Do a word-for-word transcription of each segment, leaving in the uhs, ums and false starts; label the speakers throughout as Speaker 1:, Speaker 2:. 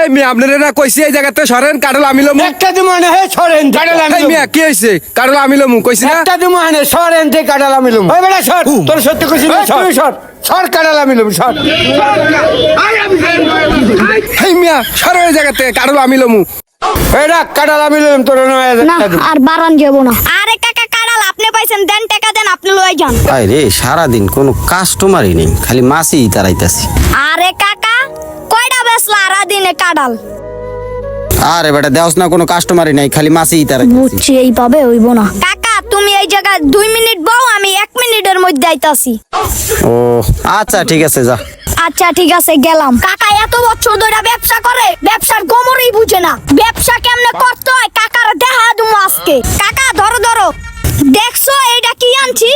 Speaker 1: এই মিয়া আপনারা না কইছি এই জায়গাতে সরেন কাটল আমি লমু
Speaker 2: একটা দিমু আনে হে সরেন কাটাল আমি
Speaker 1: এই মিয়া কি হইছে কাটল আমি লমু কইছি না
Speaker 2: একটা দিমু আনে সরেন তে কাটাল আমি লমু ওই বেটা সর তোর সত্যি কইছি না সর সর সর কাটাল আমি লমু সর
Speaker 1: এই মিয়া সরে এই জায়গাতে কাটল আমি লমু
Speaker 2: এডা কাটাল আমি লমু তোর নয়
Speaker 3: না আর বারান যাব না। আরে কাকা কাড়াল আপনি পাইছেন, দেন টাকা দেন, আপনি লয়ে যান।
Speaker 4: আরে সারাদিন কোনো কাস্টমারই নেই, খালি মাছই তারাইতাছি।
Speaker 3: আরে কাকা কয়টা বেচলা সারা দিনে কাড়াল?
Speaker 4: আরে বেটা দেওস না, কোনো কাস্টমারই নাই, খালি মাছই তারাইতাছি।
Speaker 3: বুঝছি এইভাবে হইব না। কাকা তুমি এই জায়গায় দুই মিনিট বউ, আমি এক মিনিটের মধ্যে আইতাছি।
Speaker 4: ও আচ্ছা ঠিক আছে, যা।
Speaker 3: আচ্ছা ঠিক আছে গেলাম। কাকা এত বছর ধরে ব্যবসা করে, ব্যবসার গোমরই বুঝে না। ব্যবসা কেমনে করতে হয় কাকার দেখা দুমু আজকে। কাকা ধরো ধরো, দেখছো এইটা কি আনছি?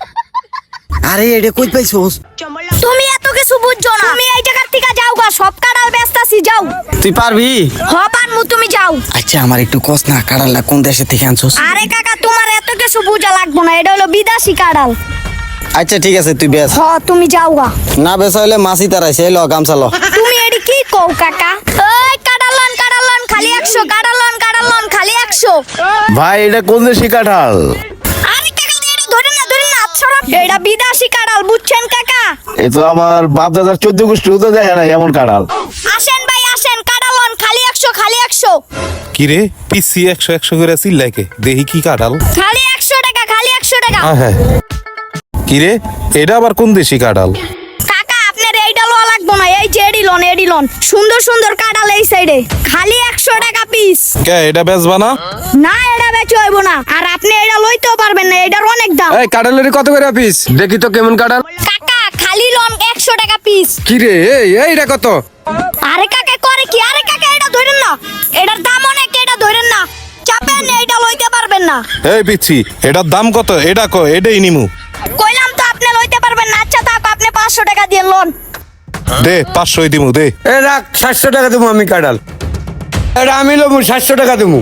Speaker 4: আরে এটা কই পাইছস?
Speaker 3: তুমি এত কিছু বুঝছো না, তুমি এই জায়গার থেকে যাও গা, সব কাড়াল বেচতাছি যাও।
Speaker 4: তুই পারবি?
Speaker 3: হ পারমু, তুমি যাও।
Speaker 4: আচ্ছা আমার একটু কস না, কাড়ালটা কোন দেশে থেকে আনছস?
Speaker 3: আরে কাকা তোমার এত কিছু বুঝা লাগবো না, এটা হলো বিদেশি কাড়াল।
Speaker 4: আচ্ছা ঠিক আছে তুই বেচ।
Speaker 3: হ তুমি যাও গা।
Speaker 4: না বেচ হইলে মাছই তারাইছে, ল গামছা ল।
Speaker 3: তুমি এডি কি কও কাকা? ওই কাড়ালন কাড়ালন খালি একশো, কাড়ালন কাড়ালন খালি একশো।
Speaker 5: ভাই এটা কোন দেশি কাঁঠাল?
Speaker 3: আরে কাকা এটা ধরে না ধরে না, আচ্ছা এটা বিদেশি কাড়াল, বুঝছেন কাকা?
Speaker 5: এ তো আমার বাপ দাদার চোদ্দ গোষ্ঠী হতে দেখে না এমন কাঁঠাল।
Speaker 3: আসেন ভাই আসেন, কাড়ালন খালি একশো, খালি একশো,
Speaker 6: কিরে পিসি একশো একশো করে চিল্লাকে দেখি কি কাঁঠাল।
Speaker 3: খালি একশো টাকা, খালি একশো টাকা।
Speaker 6: হ্যাঁ কিরে এটা আবার কোন দেশি কাঁঠাল?
Speaker 3: কাকা আপনার এইটা লওয়া লাগবো না, এই যে এডি লন এডি লন, সুন্দর সুন্দর কাড়াল এই সাইডে, খালি একশো টাকা পিস।
Speaker 6: কে এটা বেচবা না?
Speaker 3: না এটা বেচে হইব না, আর আপনি এটা লইতেও পারবেন না, এটার অনেক দাম।
Speaker 1: এই কাটলের কত করে পিস দেখি তো কেমন কাটল।
Speaker 3: কাকা খালি লন একশো টাকা পিস।
Speaker 1: কি রে এই এইটা কত?
Speaker 3: আরে কাকা করে কি? আরে কাকা এটা ধরেন না, এটার দাম অনেক, এটা ধরেন না, চাপেন না, এটা লইতে পারবেন না।
Speaker 6: এই পিচ্ছি এটার দাম কত? এটা কো এটাই নিমু।
Speaker 3: কইলাম তো আপনি লইতে পারবেন না। আচ্ছা থাক, আপনি পাঁচশো টাকা দিয়ে লোন।
Speaker 6: দে পাঁচশোই দিমু দে।
Speaker 2: এ রাখ সাতশো টাকা দেবো আমি কাটাল। এটা আমি লমু সাতশো টাকা দেবো।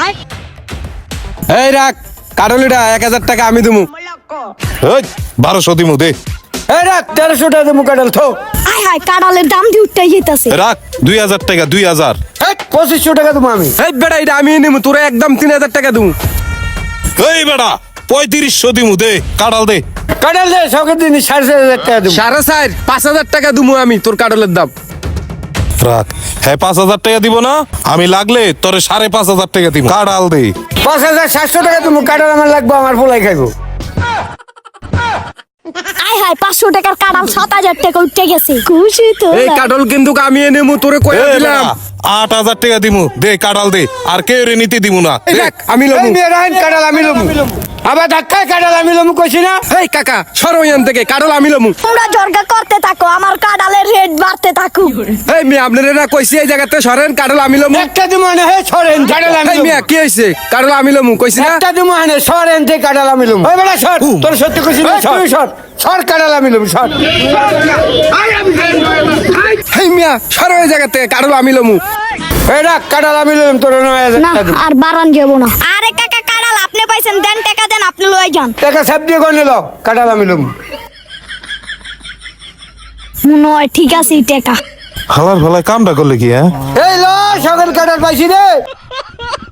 Speaker 1: এই রাখ কাটলিটা এক হাজার টাকা আমি দেবো।
Speaker 6: এই বারোশো দিমু দে।
Speaker 2: এ রাখ তেরোশো টাকা দেবো কাটাল থো।
Speaker 3: আয় হায় কাড়ালের দাম দিয়ে উঠতে যেতেছে।
Speaker 6: রাখ দুই হাজার টাকা, দুই হাজার।
Speaker 2: এই পঁচিশশো টাকা দেবো আমি।
Speaker 1: এই বেটা এটা আমি নেবো, তোরা একদম তিন হাজার টাকা দেবো।
Speaker 6: এই বেটা পঁয়ত্রিশশো দিমু দে, কাঁঠাল দে।
Speaker 2: কাটাল দে সকের দিন সাড়ে চার হাজার টাকা দেবো।
Speaker 1: সাড়ে চার পাঁচ হাজার টাকা দেবো আমি তোর কাটলের দাম।
Speaker 6: রাখ হ্যাঁ পাঁচ হাজার টাকা দিব না, আমি লাগলে তোরে সাড়ে পাঁচ হাজার টাকা দিব, কাঁঠাল দে।
Speaker 2: পাঁচ হাজার সাতশো টাকা দেবো কাটাল আমার লাগবে, আমার পোলাই খাইবো।
Speaker 3: আয় হায় পাঁচশো টাকার কাড়াল সাত হাজার টাকা উঠতে গেছে, খুশি তো?
Speaker 1: এই কাটল কিন্তু আমি নেবো, তোরে কয়ে
Speaker 6: এই
Speaker 1: দিলাম।
Speaker 6: বেটা, আট হাজার টাকা দিমু দে, কাঁঠাল দে। আর কেউ রে নিতে দিমু না।
Speaker 1: এই দেখ আমি লমু।
Speaker 2: এই মেয়ে রাইন কাটাল আমি লমু। আবার ধাক্কায় কাটাল আমি লমু কইছি না।
Speaker 1: এই কাকা সরো এখান থেকে, কাটল আমি লমু।
Speaker 3: তোমরা জর্গা করতে থাকো, আমার কাড়ালের রেট বাড়তে থাকুক।
Speaker 1: এই মিয়া আপনারা না কইছি এই জায়গাতে সরেন কাটল আমি লমু।
Speaker 2: একটা দিমু আনে হে সরেন কাটাল আমি
Speaker 1: এই
Speaker 2: লমু।
Speaker 1: মিয়া কি হইছে কাটল আমি লমু কইছি না?
Speaker 2: একটা দিমু আনে সরেন তে কাটাল আমি লমু। ওই বেটা সর তোর সত্যি কইছি না সর সর সর কাটাল আমি লমু সর।
Speaker 1: এই মিয়া সরো এই জায়গাতে কাটল আমি লমু।
Speaker 2: এই রাখ কাটাল আমি লমু তোর নয় হাজার
Speaker 3: না
Speaker 2: টাকা দেবো।
Speaker 3: আর বারান যাব না। আরে কাকা কাড়াল আপনি পাইছেন, দেন টাকা দেন, আপনি লয়ে যান।
Speaker 2: টাকা সব দিয়ে গনে লো কাটাল আমি লমু।
Speaker 3: মনে হয় ঠিক আছে এই টাকা।
Speaker 6: হালার ভালায় কামটা করলে কি? হ্যাঁ
Speaker 2: এই লো সকাল কাটাল পাইছি রে।